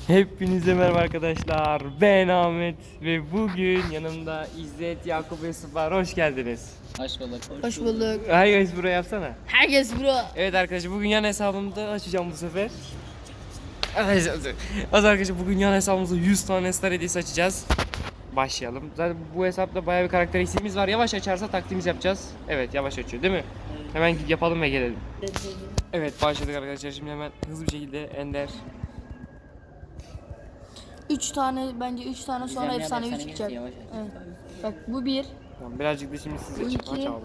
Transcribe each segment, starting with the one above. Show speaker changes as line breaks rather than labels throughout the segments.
Hepinize merhaba arkadaşlar. Ben Ahmet ve bugün yanımda İzzet, Yakup ve Yusuf var. Hoş geldiniz.
Hoş bulduk.
Hoş bulduk.
Herkes buraya yapsana.
Herkes bro.
Evet arkadaşlar, bugün yan hesabımda açacağım bu sefer. Evet arkadaşlar, bugün yan hesabımızda 100 tane star hediyesi açacağız. Başlayalım. Zaten bu hesapta bayağı bir karakter eksiğimiz var. Yavaş açarsa taktiğimiz yapacağız. Evet, yavaş açıyor değil mi? Hemen yapalım ve gelelim. Evet, başladık arkadaşlar. Şimdi hemen hızlı bir şekilde Ender.
3 tane bence 3 tane sonra efsanevi çıkacak.
Yavaş.
Evet. Bak bu bir.
Tamam, birazcık da şimdi size
Bu
aç
iki.
abi.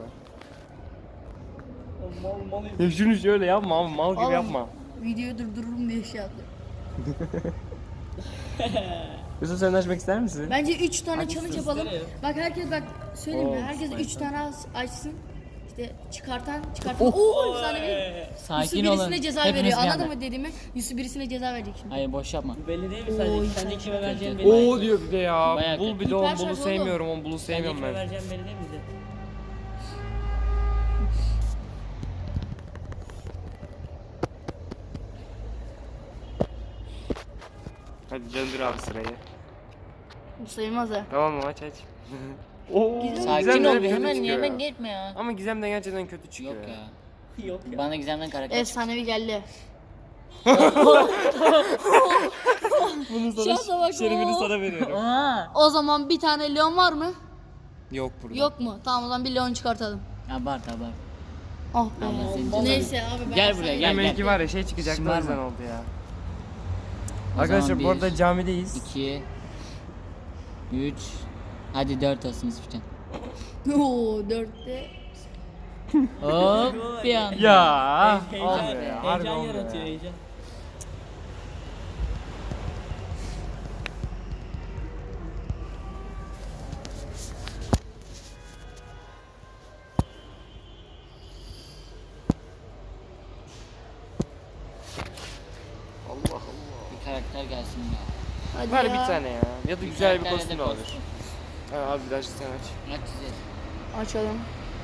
Ya şunu şöyle yapma abi, mal gibi
Oğlum,
yapma.
Videoyu durdururum diye şey yaptım.
Yusuf, sen de açmak ister misin?
Bence 3 tane
Hadi
challenge
siz.
yapalım. Bak herkes bak söyleyeyim mi?
Oo,
Herkes
süper.
3 tane açsın. İşte çıkartan. Oo efsanevi. Yusuf
Sakin olun.
birisine ceza
Hepiniz
veriyor.
bir
Anladın
anda.
mı dediğimi? Yusuf birisine ceza verecek şimdi.
Hayır boş yapma.
Belli değil mi
Oo,
sadece?
iyi
Sen de
sen.
kime vereceğin belli.
Oo diyor bir de ya.
Bayağı
Bul
kötü.
bir de
Hiper
on bulu
şarj
sevmiyorum, on bulu
Sen de
sevmiyorum
kime
ben.
vereceğin belli değil mi bize?
Hadi döndür abi sırayı.
Bu sayılmaz ha.
Tamam mı, aç. Oo,
Sakin
Gizem de
ol
hep
bir
kötü
hemen
çıkıyor
hemen
ya.
gitme ya.
Ama Gizem de gerçekten kötü çıkıyor
Yok
ya.
ya.
Yok ya.
Bana Gizem'den karakter çıktı.
Efsanevi geldi.
Bunu
Şansa bak,
şerefini
oo.
sana veriyorum.
Aa.
O zaman bir tane Leon var mı?
Yok burada.
Yok mu? Tamam o zaman bir Leon çıkartalım.
Abart.
Oh
Tamam,
be.
senin cezan.
Neyse abi ben
Gel
sana-
buraya, gel.
Demek var ya şey çıkacaktı, o
Şımarma.
yüzden oldu ya.
O
Arkadaşlar
zaman
bu arada
bir,
camideyiz.
2 3 Hadi 4 olsun Yusufcan.
Oo 4'te.
Hop bir anda.
Ya
Heyecan,
olmuyor ya. Harbi
heyecan
olmuyor
yaratıyor
ya.
heyecan.
Allah Allah.
Bir karakter gelsin ya.
Hadi
Ver
ya.
bir tane ya. Ya da güzel bir
karakter
kostüm
ya
de
da
olur.
kostüm.
Ha, abi bir daha sen aç.
Aç size.
Açalım.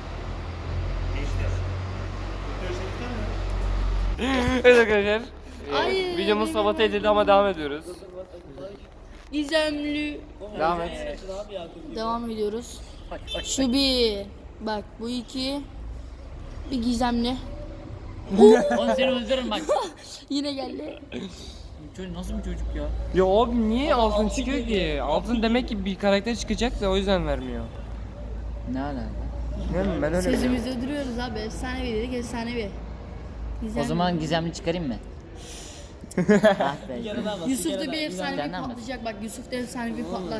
Evet arkadaşlar.
Ay,
Videomuz sabote edildi ama devam ediyoruz.
Gizemli.
Devam et.
Açın abi ya.
Devam ediyoruz. Şu bir. Bak bu iki. Bir gizemli.
Oğlum seni öldürürüm bak.
Yine geldi.
Çocuk nasıl bir çocuk ya?
Ya abi niye altın çıkıyor ki? Altın demek ki bir karakter çıkacak da o yüzden vermiyor.
Ne alaka?
Değil mi? Ben öyle biliyorum.
Sözümüzde duruyoruz abi. Efsanevi dedik efsanevi. Gizemli.
O zaman Gizemli çıkarayım mı? Ah be.
Yarıdan bas.
Yusuf da
yarıdan.
bir efsanevi
Senden mi?
patlayacak. Bak Yusuf da efsanevi patlar.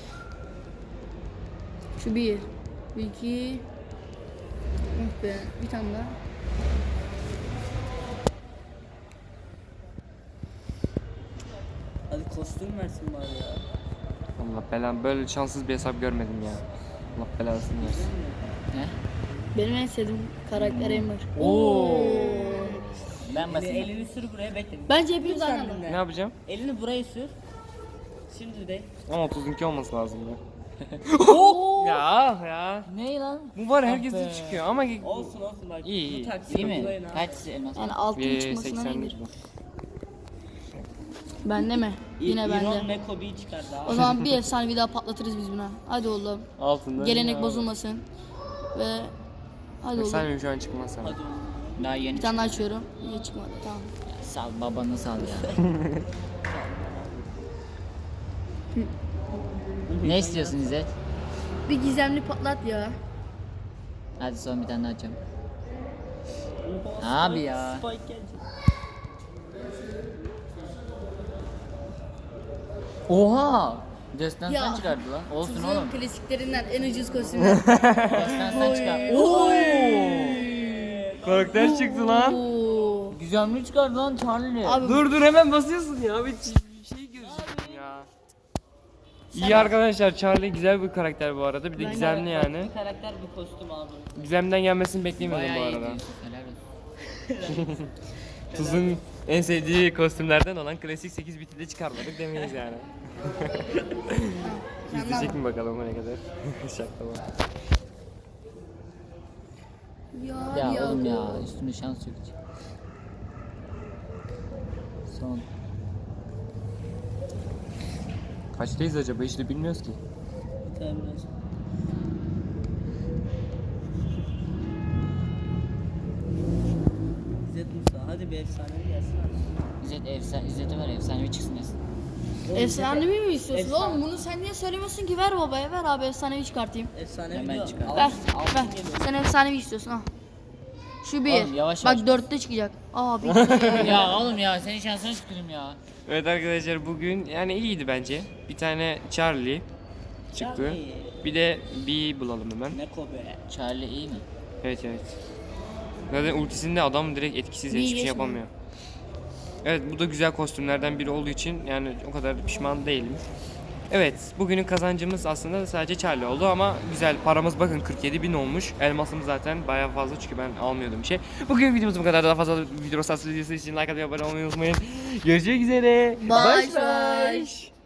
Şu bir. Bu iki. Oh be. Bir tane daha.
Hadi kostüm versin bari ya.
Allah belanı, böyle şanssız bir hesap görmedim ya. Allah belasını versin.
Ne?
Benim en sevdiğim karakter Ember.
Oo.
Ben basayım.
Elini sür buraya bekle.
Bence hepimiz aynı
Lütfen
anda.
Ne
dinle.
yapacağım?
Elini buraya sür. Şimdi de.
Ama 32 olması lazım ya.
Oo.
Ya.
Ne lan?
Bu var, herkese
be.
çıkıyor ama
Olsun olsun bak.
İyi, iyi.
Bu taksi
İyi mi?
uygulayın ha.
Kaç elmas?
Yani altın
bir
çıkmasına
80
nedir?
bu.
Bende mi? Yine
İron
bende.
ve Kobe'yi çıkardı
O
abi.
zaman bir efsanevi daha patlatırız biz buna. Hadi oğlum.
Altında.
Gelenek bozulmasın. Ve hadi oğlum.
Sen şu an çıkmaz sana.
Hadi oğlum.
Daha yeni
Bir tane daha açıyorum. Niye çıkmadı? Tamam.
Sal babanı sal ya. Ne istiyorsun İzzet?
Bir gizemli patlat ya.
Hadi son bir tane daha açacağım.
Oha,
Abi
Spike-
ya.
Spike gelecek.
Oha! Destansı
Ya.
çıkardı lan. Olsun
Tuzun
oğlum.
klasiklerinden en ucuz kostümler.
Destansı çıkardı.
Karakter çıktı lan.
Oo.
Güzelmiş çıkardı lan Charlie.
Abi
Dur hemen basıyorsun ya. Bir şey gözüküyor ya. İyi arkadaşlar, Charlie güzel bir karakter bu arada. Bir de
Ben
gizemli yani.
Bir karakter bir kostüm abi.
Gizemden gelmesini beklemiyordum
Bayağı
bu
iyi
arada.
diyorsun. Helal olsun.
Tuz'un en sevdiği kostümlerden olan klasik 8 biti de çıkarmadık demeyiz yani. İzleyecek mi bakalım o ne kadar? Şaka var.
Ya oğlum ya üstüne şans yok hiç. Son.
Kaçtayız acaba? Hiç de bilmiyoruz ki.
Tabii biraz. İzzet Musa hadi bir efsanevi gelsin abi.
İzzet'e ver efsanevi çıksın desin.
Efsanevi mi istiyorsun
Efsane.
oğlum? Bunu sen niye söylemiyorsun ki? Ver babaya, ver abi efsanevi çıkartayım.
Efsanevi
Hemen
diyor.
çıkar.
Ver,
Altın
ver.
geliyor.
Sen efsanevi istiyorsun ha. Şu bir.
Oğlum, yavaş
Bak
yavaş.
4'te çıkacak. Aa bir.
Ya oğlum ya senin şansına tükürüm ya.
Evet arkadaşlar bugün yani iyiydi bence. Bir tane Charlie çıktı.
Charlie.
Bir de B bulalım hemen.
Ne kobe.
Charlie iyi mi?
Evet evet. Zaten ultisinde adam direkt etkisiz
Bir
hiçbir şey
geçme.
yapamıyor. Evet bu da güzel kostümlerden biri olduğu için yani o kadar pişman değilim. Evet bugünün kazancımız aslında sadece Charlie oldu ama güzel paramız bakın 47.000 olmuş. Elmasımız zaten bayağı fazla çünkü ben almıyordum bir şey. Bugün videomuz bu kadar, daha fazla video videosu için like atmayı, abone olmayı unutmayın. Görüşmek üzere.
Bye bye.